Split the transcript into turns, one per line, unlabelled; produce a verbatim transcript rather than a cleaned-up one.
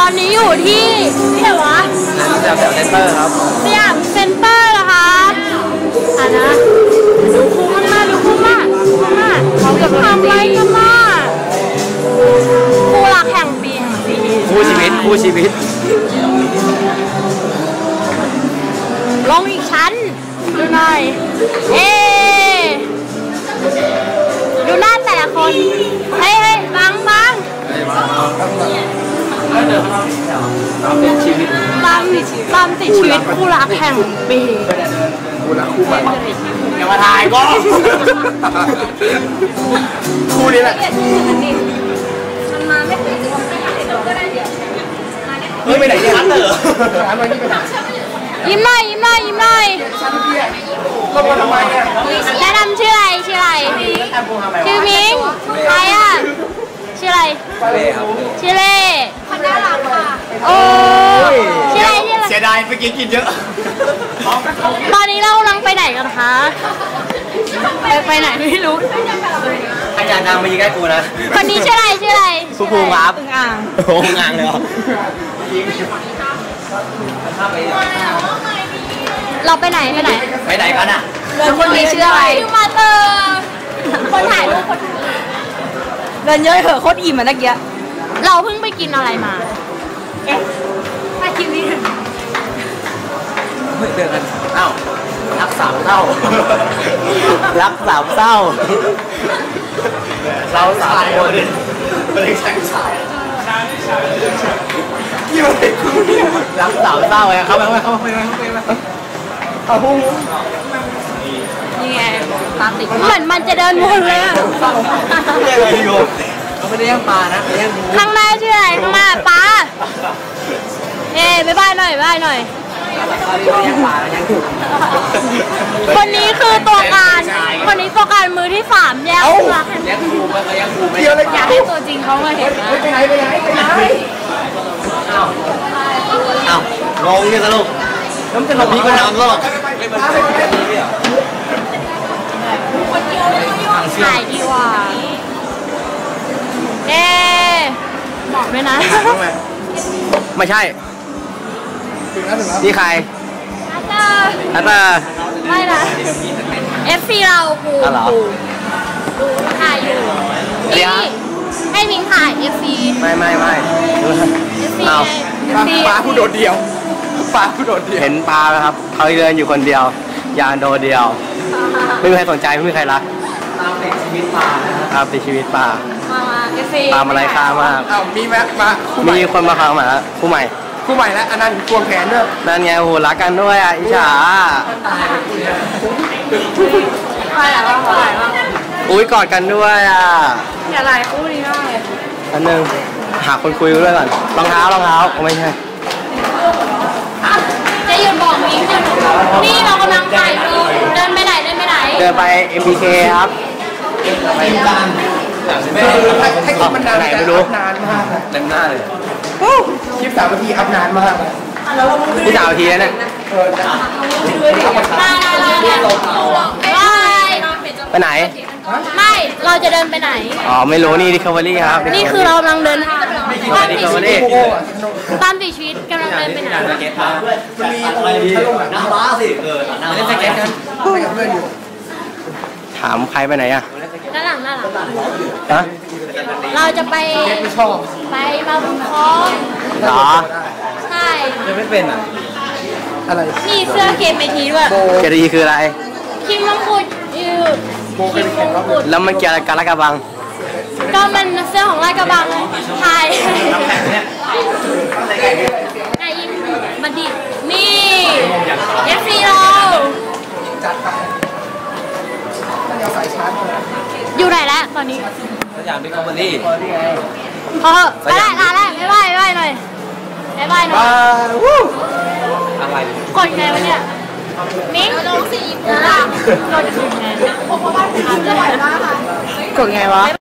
อนนี้อยู่ที่ที่ไหนวะ
สยามเซ็นเตอร์ครับ
สยามเซ็นเตอร์เหรอครับอ่ะนะดูคุ้มมากดูคุ้มมากคุ้มมากเขาจะทำอะไรกันล่ะคู่รักแห่งปี
คู่ชีวิตคู่ชีวิต
ลงอีกชั้นดูหน่อยเอ๊ดูหน้าแต่ละคนเฮ้ยเฮ้ยบังบัง
ตามติดชีวิต
ตามตามติดชีวิตคู่รักแห่งปี
คู่รักคู่มันอย่ามาถ่ายก็คู่นี้แหละ
มันมาไม่ถึงก็ได้เดี๋ยว
เฮ้ยไปไหนเนี่ยร้านเหรอร้านอะไรนี่ไปไหน
ยิ้มหน่อยยิ้มหน่อยยิ้มหน่อย
ก็มาทำไมเนี่ย
แนะนำชื่ออะไรชื่ออะไรชื่อมิงใครอ่ะชื่ออะไรชื่อเล่คนน่ารักค่ะโอ้ชื่ออะไรชื่ออะไร
เสียดายเมื่อกี้กินเยอะ
ตอนนี้เรากำลังไปไหนกันคะไปไปไหนไม่รู้
ใครอยากดังมายิงใกล้กูนะ
คนนี้ชื่ออะไรชื่ออะไร
ภูภูครับ
อึ่งอ่าง
โอ้อึ่งอ่างเลยเหรอ
เราไปไหนไปไหน
ไปไหนกันอ่ะ
คนนี้ชื่ออะไรมาเตอร์คนถ่ายรูปคน
เดินเยอะเหอะโคตรอิ่มอ่ะนักเยอะ
เราเพิ่งไปกินอะไรมาเอ๊ะไปกินนี่
เฮ้ยเดินกันอ้าวรักสามเศร้ารักสามเศร้าเราสามคนเป็นแข่งชายยี่มันเป็นคู่นี่รักสามเศร้าไงเข้าไปเข้าไปเข้าไปเข้าไปเอาหุ้ง
นี่ไงปลาติดเหมือนมันจะเดินวนเลยอ่ะ
ไม่ได้เลยโยเขาไม่ได้ย่างปลานะไม่ได้ย่างหมู
ข้างหน้าชื่ออะไรข้างหน้าปลาเอ๊ะบ๊ายบายหน่อยบ๊ายบายหน่อยคนนี้คือตัวการคนนี้ตัวการมือที่สามแยกตัว
แยกครูไปแยกครูไม่
อยากให้ตัวจริงเขามาเห็นนะ
ไปไหนไปไหนไปไหนอ้าวอ้าวงงเนี่ยสรุปน้ำจะหลบพี่ก็น้ำหรอก
ถ่ายดีกว่าเอ๊บอกด้วยนะ
ไม่ใช่นี่ใครนัตเตอร์
ไม่นะ เอฟ ซี เราปูปูดูถ่ายอยู่นี่ให้มิงถ่าย เอฟ ซี
ไม่ไม่ไม่
เอฟ ซี
ปลาผู้โดดเดียวปลาผู้โดดเดียวเห็นปลาไหมครับเขาเดินอยู่คนเดียวยางโดดเดียวไม่มีใครสนใจไม่มีใครรักตามติดชีวิตปลาตามติดชีวิตปลาปลาอะไรค่ามากมีไหมมามีคนมาฟังมาคู่ใหม่คู่ใหม่แล้วอันนั้นควงแขนด้วยนั่นไงโหรักกันด้วยอ่ะอิจฉา
ใครอ่ะใครอ่ะ
อุ้ยกอดกันด้วยอ่ะ
อย่าไล่คู่นี้ได้
อันนึงหาคนคุยด้วยก่อนรองเท้ารองเท้าไม่ใช่
จะหยุดบอกมิ้งหยุดนี่เรากำลังถ่ายรูปเดินไปไหนเดินไปไหน
เดินไป เอ็ม บี เค ครับไปบ้านให้คลิปมันนานไหนไม่รู้นานมากเต็มหน้าเลยคลิปสามนาทีอัพนานมากที่สามนาทีแล้วเนี่ยไปไหน
ไม่เราจะเดินไปไหน
อ๋อไม่รู้นี่ดิคาเวอรี่ครับ
นี่คือเรากำลังเดิน
ตามติดชีวิต
ตามติดชีวิตกำลังเดินไปไหน
มันมีอะไรน้ำม้าสิเออน้ำม้าสเก็ตกันถามใครไปไหนอ่ะ
ด้านหลังด้านหลัง
ฮะ
เราจะไปไปมาบุญคล้อง
เหรอ
ใช่
ยังไม่เป็นอ่ะอะไร
มีเสื้อเกมเมทีด้วย
เกมเมทีคืออะไร
คิมมงกุฎยืดคิมมงกุฎ
แล้วมันเกี่ยวกับลาดกระบัง
ก็มันเสื้อของลาดกระบังไทยไอ้ยิ้มบัณฑิตนี่เอฟซีเราอยู่ไหนแล้วตอนนี้
สยามบิ๊กคอมพานี
พอไปได้ลาแล้วบ๊ายบายบ๊ายบายหน่อยบ๊ายบายหน่อย
อะไร
กดไงวะเนี่ยมิ้งน้องสีกดไงกดไงวะ